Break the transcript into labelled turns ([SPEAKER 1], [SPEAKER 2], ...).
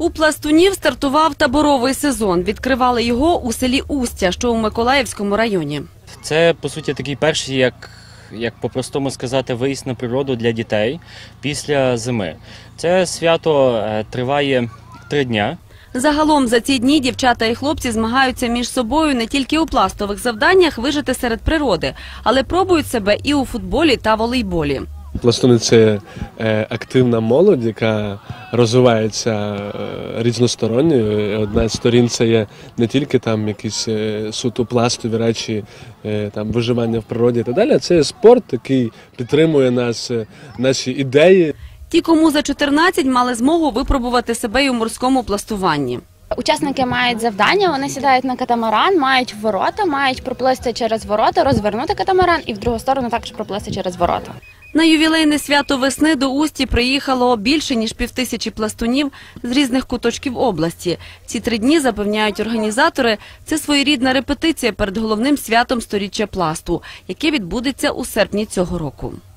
[SPEAKER 1] У пластунів стартував таборовий сезон. Відкривали його у селі Устя, що у Миколаївському районі.
[SPEAKER 2] Це, по суті, такий перший, як по-простому сказати, виїзд на природу для дітей після зими. Це свято триває 3 дня.
[SPEAKER 1] Загалом за ці дні дівчата і хлопці змагаються між собою не тільки у пластових завданнях вижити серед природи, але пробують себе і у футболі та волейболі.
[SPEAKER 3] Пластуни – це активна молодь, яка розвивається різносторонньо. Одна з сторін – це є не тільки там якісь суто пластові речі, там виживання в природі і так далі, а це є спорт, який підтримує нас, наші ідеї.
[SPEAKER 1] Ті, кому за 14, мали змогу випробувати себе і у морському пластуванні.
[SPEAKER 4] Учасники мають завдання, вони сідають на катамаран, мають ворота, мають проплисти через ворота, розвернути катамаран і в другу сторону також проплисти через ворота.
[SPEAKER 1] На ювілейне свято весни до Усті приїхало більше, ніж 5000 пластунів з різних куточків області. Ці 3 дні, запевняють організатори, це своєрідна репетиція перед головним святом сторіччя пласту, яке відбудеться у серпні цього року.